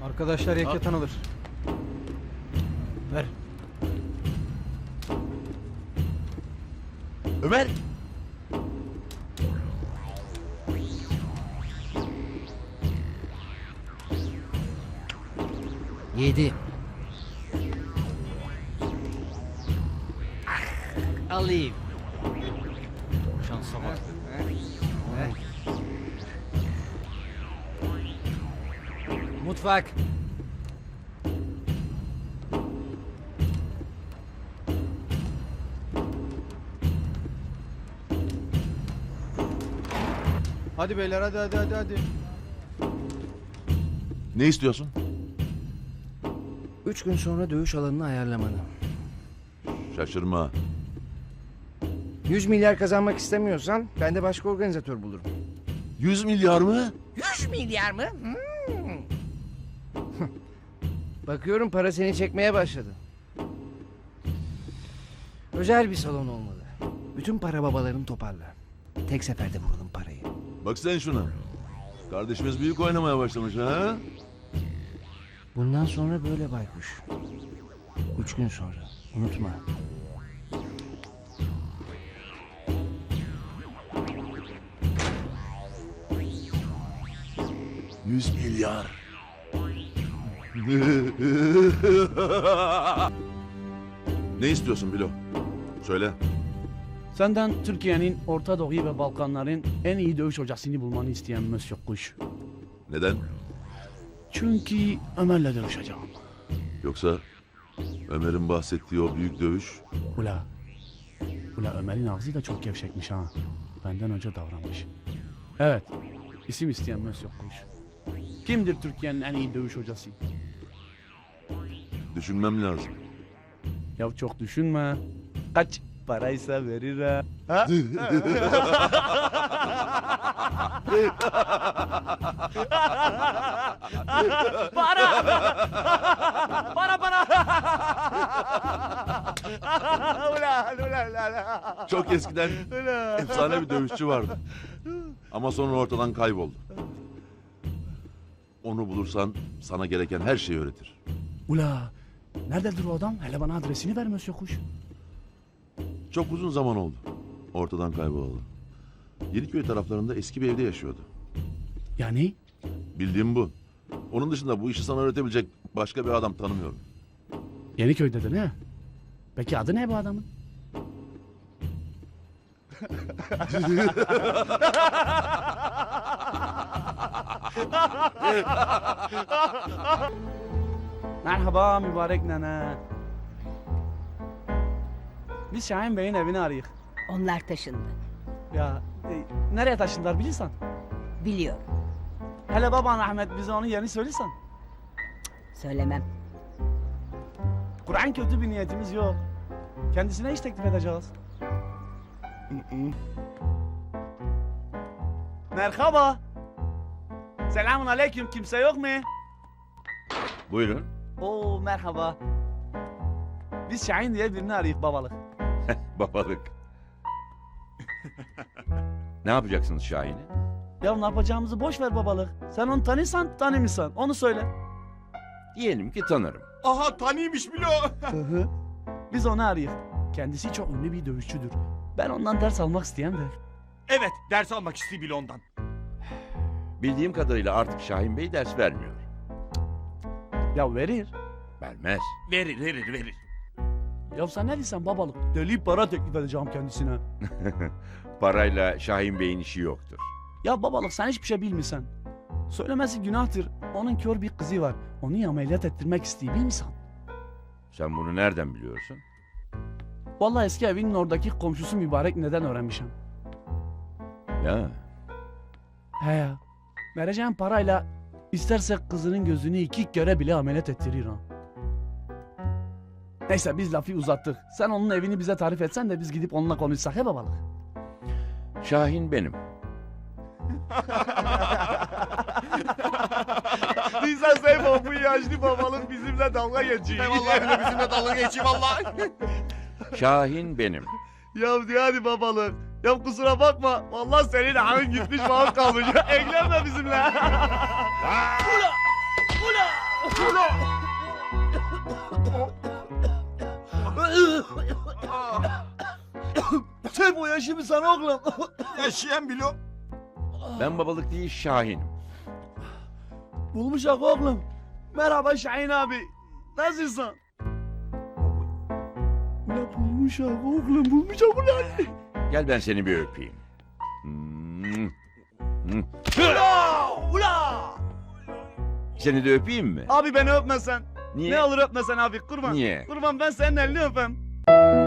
Arkadaşlar yakatan alır. Ver. Ömer! Yedi. Alayım. Şansa bak. Mutfak. Hadi beyler hadi. Ne istiyorsun? 3 gün sonra dövüş alanını ayarlamanı. Şaşırma. 100 milyar kazanmak istemiyorsan ben de başka organizatör bulurum. 100 milyar mı? 100 milyar mı? Bakıyorum para seni çekmeye başladı. Özel bir salon olmalı. Bütün para babalarını toparla. Tek seferde vuralım parayı. Bak sen şuna. Kardeşimiz büyük oynamaya başlamış ha? Bundan sonra böyle baykuş. 3 gün sonra. Unutma. ...100 milyar. Ne istiyorsun Bilo? Söyle. Senden Türkiye'nin Orta Doğu ve Balkanların en iyi dövüş hocasını bulmanı isteyen Monsieur Kuş. Neden? Çünkü Ömer'le dövüşeceğim. Yoksa Ömer'in bahsettiği o büyük dövüş... Ula Ömer'in ağzı da çok gevşekmiş ha. Benden önce davranmış. Evet, isim isteyen Monsieur Kuş. Kimdir Türkiye'nin en iyi dövüş hocası? Düşünmem lazım. Ya çok düşünme. Kaç paraysa verir ha. Para. Çok eskiden efsane bir dövüşçü vardı. Ama sonra ortadan kayboldu. Onu bulursan sana gereken her şeyi öğretir. Ula, nerededir o adam? Hele bana adresini ver Monsieur Kuş. Çok uzun zaman oldu. Ortadan kaybolalı. Yeniköy taraflarında eski bir evde yaşıyordu. Yani? Bildiğim bu. Onun dışında bu işi sana öğretebilecek başka bir adam tanımıyorum. Yeniköy'de de ne? Peki adı ne bu adamın? Merhaba mübarek nene. Biz Şahin Bey'in evini arayık. Onlar taşındı. Ya nereye taşındılar bilirsen. Biliyorum. Hele baban Ahmet bize onun yerini söylesen. Söylemem. Kur'an kötü bir niyetimiz yok. Kendisine iş teklif edeceğiz. Merhaba. Selamun aleyküm. Kimse yok mu? Buyurun. Oo merhaba. Biz Şahin diye birini arayık babalık. Babalık. Ne yapacaksınız Şahin'i? Ya ne yapacağımızı boş ver babalık. Sen onu tanırsan tanımıyorsan onu söyle. Diyelim ki tanırım. Aha tanıymış bile o. Biz onu arayık. Kendisi çok ünlü bir dövüşçüdür. Ben ondan ders almak isteyen de. Evet ders almak istiyor bile ondan. Bildiğim kadarıyla artık Şahin Bey ders vermiyor. Ya verir. Vermez. Verir. Ya sen ne diyorsun babalık? Deli para teklif edeceğim kendisine. Parayla Şahin Bey'in işi yoktur. Ya babalık sen hiçbir şey bilmiyorsun. Söylemesi günahtır. Onun kör bir kızı var. Onu ameliyat ettirmek istiyor bilmiyorsun. Sen bunu nereden biliyorsun? Vallahi eski evinin oradaki komşusu mübarek neden öğrenmişim. Ya He ya. Vereceğim parayla isterse kızının gözünü 2 kere bile ameliyat ettirir ha. Neyse biz lafı uzattık. Sen onun evini bize tarif etsen de biz gidip onunla konuşsak he babalık. Şahin benim. Nisan Seyfo bu yaşlı babalım bizimle dalga geçiyor. Vallahi bile bizimle dalga geçiyor vallahi. Şahin benim. Ya diyor hadi babalık. Ya kusura bakma. Vallahi senin ağın gitmiş bağın kalmış. Eklenme bizimle. Ula! Sen bu yaşımı sana oğlum. Yaşayan bilo. Ben babalık değil Şahin'im. Bulmuşak oğlum. Merhaba Şahin abi. Nasılsın? Ula bulmuşak oğlum, bulmuşak ulan. Gel ben seni bir öpeyim. Ula! Seni de öpeyim mi? Abi beni öpmesen. Niye? Ne olur öpmesen abi kurban. Niye? Kurban ben senin elini öpem.